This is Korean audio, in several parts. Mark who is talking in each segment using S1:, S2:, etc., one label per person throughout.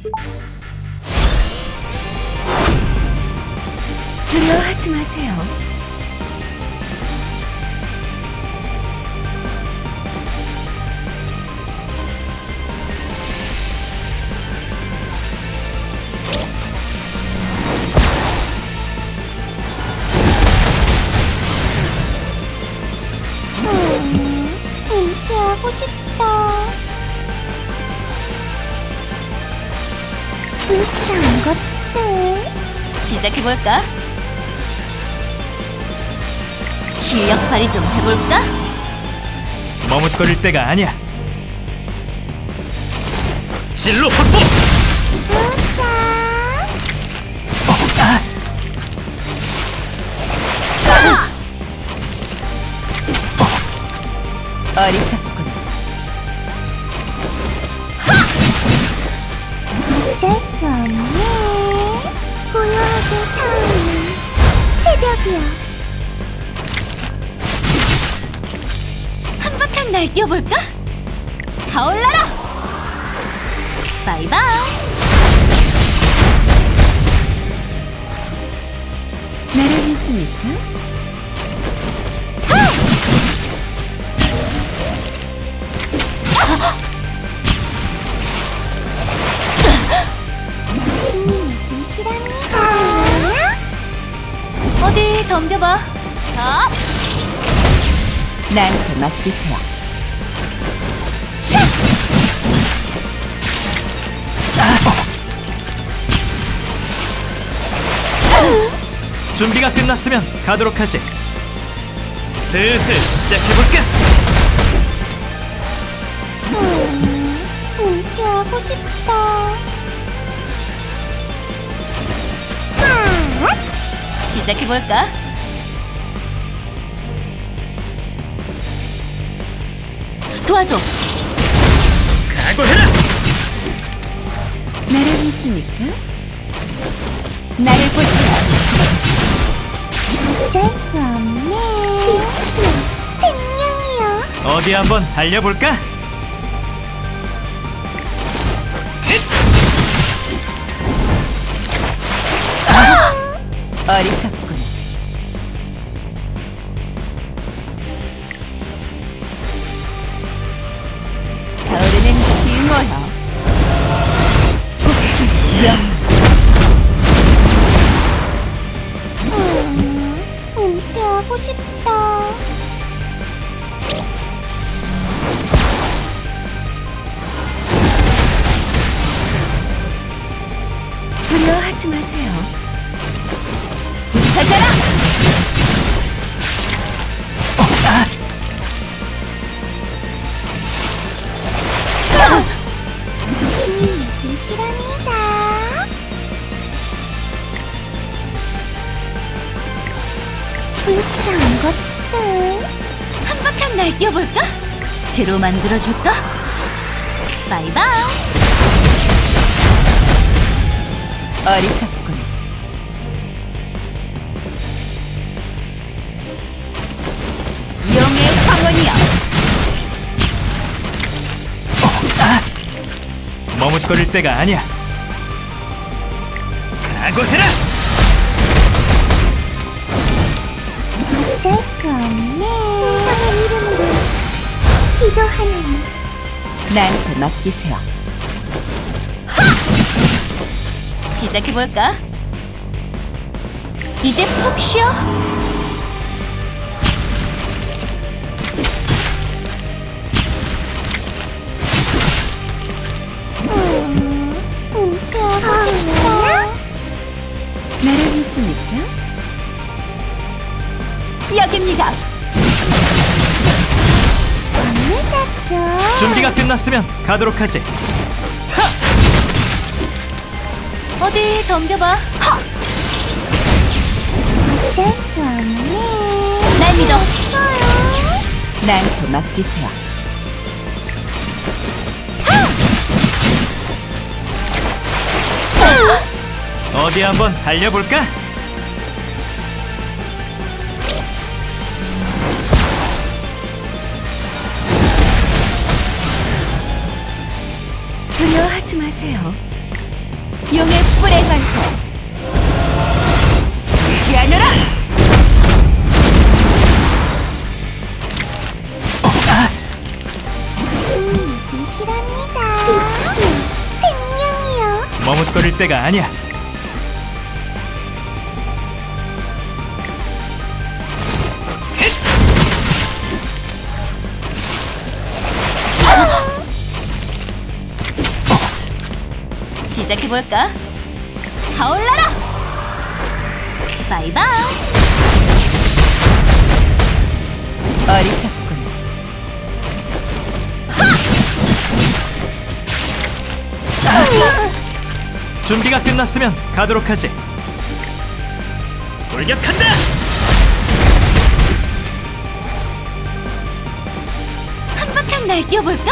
S1: 두려워하지 마세요.
S2: 은퇴하고 싶다. 불쌍한 것들.
S1: 시작해볼까? 실력 발휘 좀 해볼까?
S3: 머뭇거릴 때가 아니야. 진로 확보!
S2: 자,
S1: 어리석군.
S2: 어쩔 수 없네. 고요하게 타오르는 새벽이야.
S1: 한바탕 날뛰어볼까? 타올라라! 바이바이! 나를 믿습니까?
S2: 신님의 뜻이랍니다.
S1: 어디 덤벼봐. 나한테 맡기세요. 차!
S3: 준비가 끝났으면 가도록 하지. 슬슬 시작해볼까?
S2: 은퇴하고 싶다.
S1: 시작해볼까? 도와줘!
S3: 각오해라!
S1: 나를 믿습니까? 나를 보세요.
S2: 어쩔 수 없네. 빛이야, 생명이야.
S3: 어디 한번 달려볼까?
S1: 어리석군. 타오르는 징어여.
S2: 은퇴하고 싶다.
S1: 두려워하지 마세요. 부탁하라!
S2: 신님의 뜻이랍니다. 불쌍한 것들.
S1: 한바탕 날뛰어볼까? 제로 만들어줄까? 바이바이! 어리석군. 용의 황혼이여.
S3: 머뭇거릴 때가 아니야. 각오해라!
S2: 어쩔 수 없네. 신성한 이름으로 기도하는
S1: 나한테 맡기세요. 시작해볼까? 이제 푹 쉬어.
S2: 은퇴하고 싶다.
S1: 나를 믿습니까? 여기입니다.
S2: 오늘 잡죠.
S3: 준비가 끝났으면 가도록 하지.
S1: 어디 덤벼봐.
S2: 어쩔 수 없네.
S1: 날 믿어.
S2: 없어요.
S1: 나한테 맡기세요.
S3: 어디 한번 달려볼까?
S1: 두려워하지 마세요. 용의 뿔의 발톱 지지 않으라.
S2: 신이 빛이랍니다. 빛이 생명이요.
S3: 머뭇거릴 때가 아니야.
S1: 시작해볼까? 타올라라! 바이바이! 어리석군.
S3: 준비가 끝났으면 가도록 하지. 돌격한다!
S1: 한바탕 날뛰어볼까?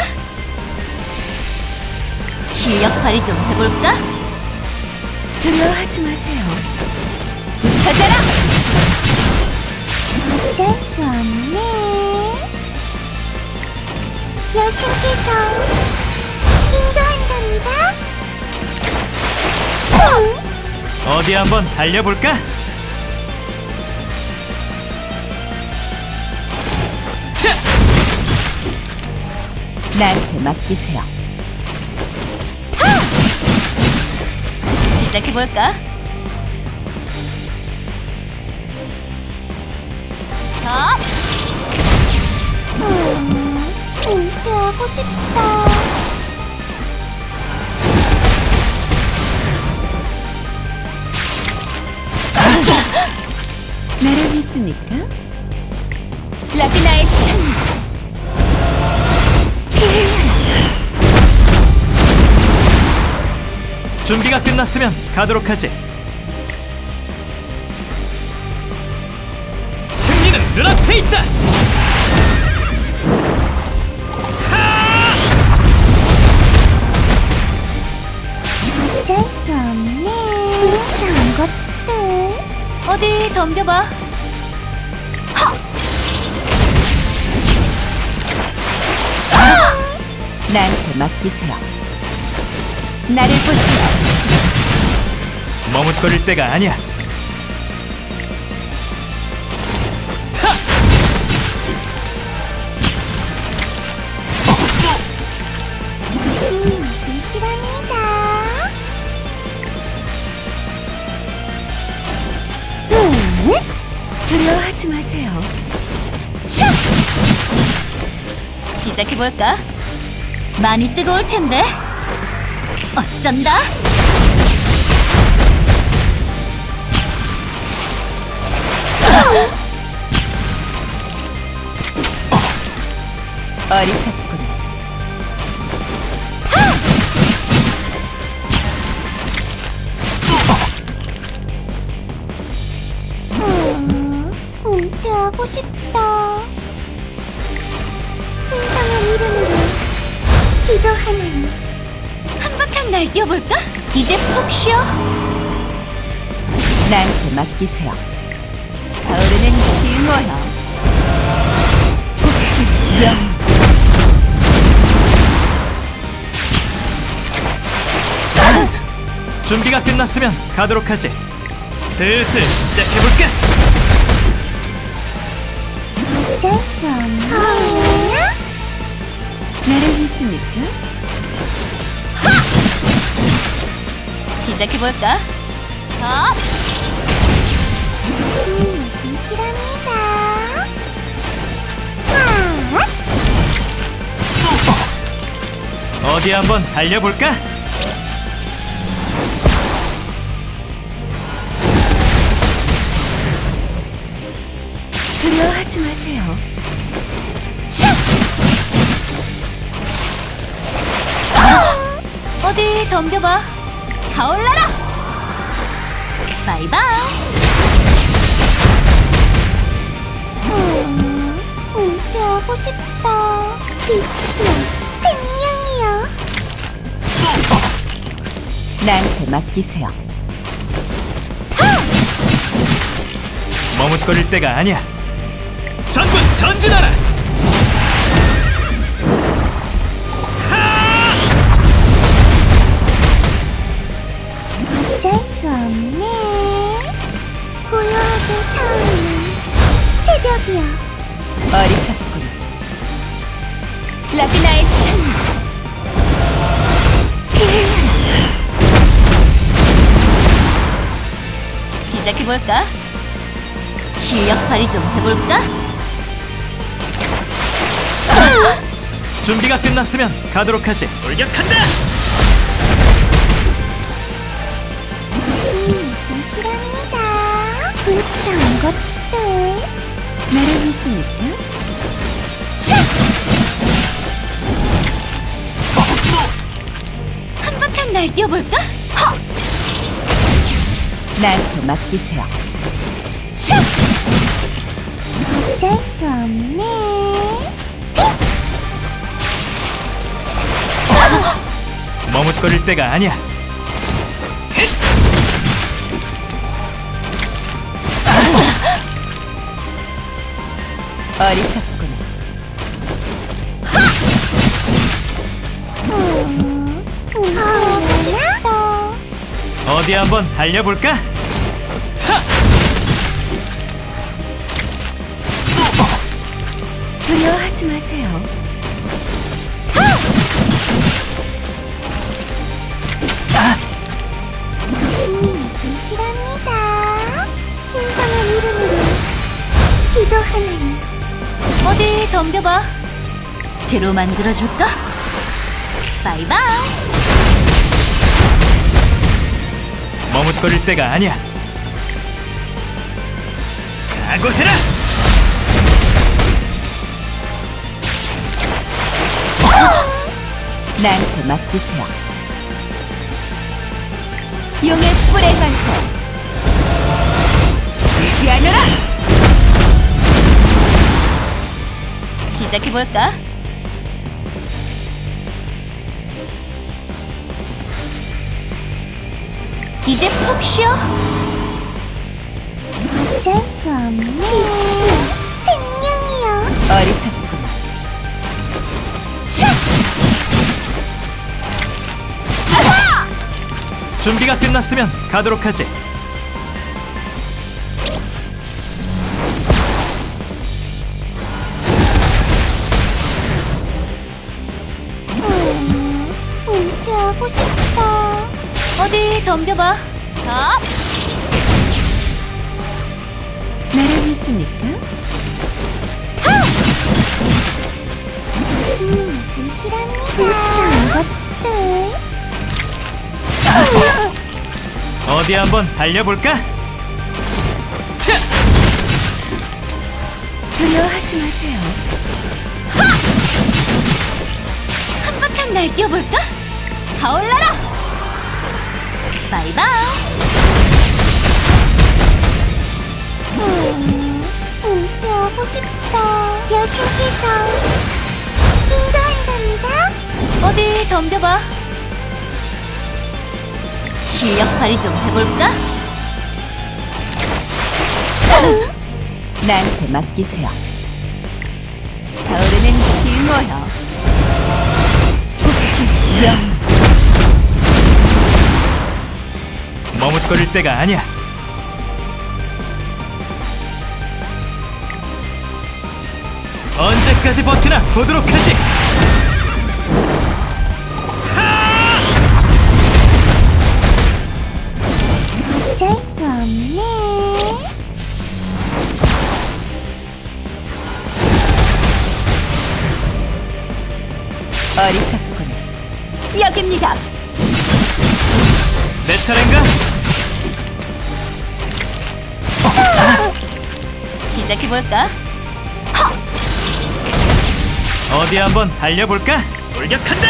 S1: 실력 발휘 좀 해볼까? 두려워하지 마세요. 부서져라!
S2: 어쩔 수 없네. 여신께서 인도한답니다.
S3: 어디 한번 달려볼까? 차!
S1: 나한테 맡기세요. 시작해볼까? 자!
S2: 은퇴하고 싶다.
S1: 나를 믿습니까? 라그나의 찬
S3: 준비가 끝났으면 가도록 하지. 승리는 눈앞에 있다!
S2: 어쩔 수 없네. 불쌍한 것들.
S1: 어디 덤벼봐. 나한테 맡기세요. 나를 보세요.
S3: 머뭇거릴 때가 아니야.
S2: 신이 빛이랍니다.
S1: 두려워하지 마세요. 차! 시작해볼까? 많이 뜨거울 텐데. 어쩐다? 어리석군.
S2: 은퇴하고 싶다. 신성한 이름으로 기도하는
S1: 한바탕 날뛰어볼까? 이제 푹 쉬어. 나한테 맡기세요. 타오르는 징어야. 명.
S3: 준비가 끝났으면 가도록 하지. 슬슬 시작해볼까?
S2: 어쩔 수 없네.
S1: 나를 믿습니까? 시작해볼까? 자!
S2: 신이 빛이랍니다.
S3: 어디 한번 달려볼까?
S1: 두려워하지 마세요. 차! 어디 덤벼봐. 타올라라! 바이바이!
S2: 은퇴하고 싶다. 빛이 생명이요.
S1: 나한테 맡기세요.
S3: 머뭇거릴 때가 아니야. 전군 전진하라!
S1: 시작해볼까? 실력 발휘 좀 해볼까?
S3: 준비가 끝났으면 가도록 하지. 돌격한다.
S2: 당신이 이시랍니다. 불쌍한 것들.
S1: 나를 믿습니까? 한바탕 날뛰어볼까? 나한테 맡기세요.
S2: 어쩔 수 없네.
S3: 머뭇거릴 때가 아니야.
S1: 어리석구나.
S2: 하고 싶다.
S3: 어디 한번 달려볼까?
S1: 두려워하지 마세요.
S2: 당신이 이시랍니다. 신성한 이름으로 기도하나니.
S1: 어디 덤벼봐. 재료 만들어줄까? 바이바이.
S3: 머뭇거릴 때가 아니야. 각오해라.
S1: 나한테 맡기세요. 용의 뿔에 관해 지시하느라. 시작해볼까? 이제 푹 쉬어.
S2: 어쩔 수 없네. 빛이요, 생명이요.
S1: 어리석구나.
S3: 준비가 끝났으면 가도록 하지.
S2: 은퇴하고 싶다.
S1: 어디 덤벼봐. 나를 믿습니까?
S2: 당신이 이시랍니다. 불쌍한 것들.
S3: 어디 한번 달려볼까? 차!
S1: 두려워하지 마세요. 한바탕 날뛰어볼까? 타올라라. 바이바이.
S2: 은퇴하고 싶다. 여신께서 인도한답니다.
S1: 어디 덤벼봐. 실력 발휘 좀 해볼까? 나한테 맡기세요. 타오르는 징어여. 복지영.
S3: 머뭇거릴 때가 아니야. 언제까지 버티나 보도록 하지.
S2: 어쩔 수 없네.
S1: 어리석구나. 여깁니다.
S3: 내 차례인가?
S1: 시작해볼까?
S3: 어디 한번 달려볼까? 돌격한다!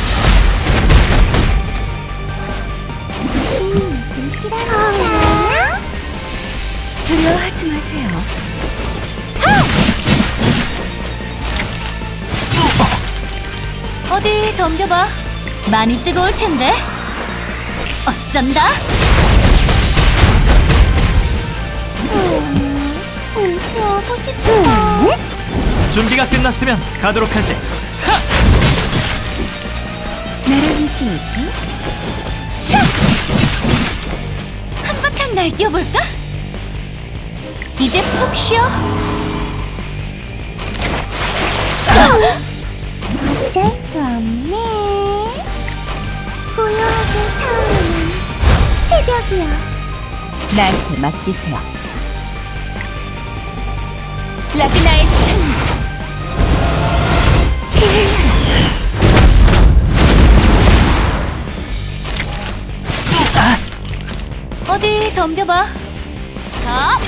S2: 당신이 이시랍니다.
S1: 두려워하지 마세요. 어디 덤벼봐. 많이 뜨거울 텐데. 어쩐다?
S2: 은퇴하고 싶다.
S3: 준비가 끝났으면 가도록 하지.
S1: 나를 믿습니까? 한바탕 날뛰어볼까? 이제 푹 쉬어.
S2: 어쩔 수 없네. 고요하게 타오르는 새벽이여.
S1: 나한테 맡기세요. 라그나의 창. 어디 덤벼봐. 자.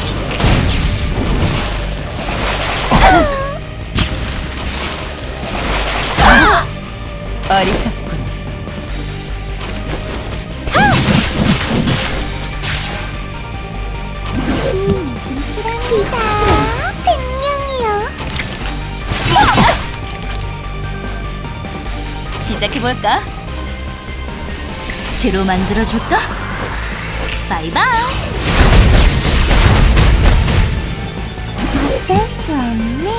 S1: 어리석군.
S2: 신님의 뜻이랍니다. 생명이요.
S1: 시작해볼까? 제로 만들어줄까? 바이바이.
S2: 어쩔 수 없네.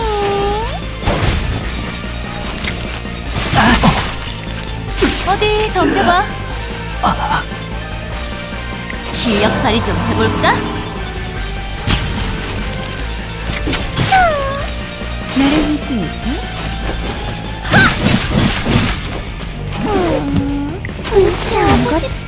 S1: 어디 덤벼봐. 실력 발휘 좀 해볼까? 나를 믿으니까.
S2: 불쾌하고 싶다.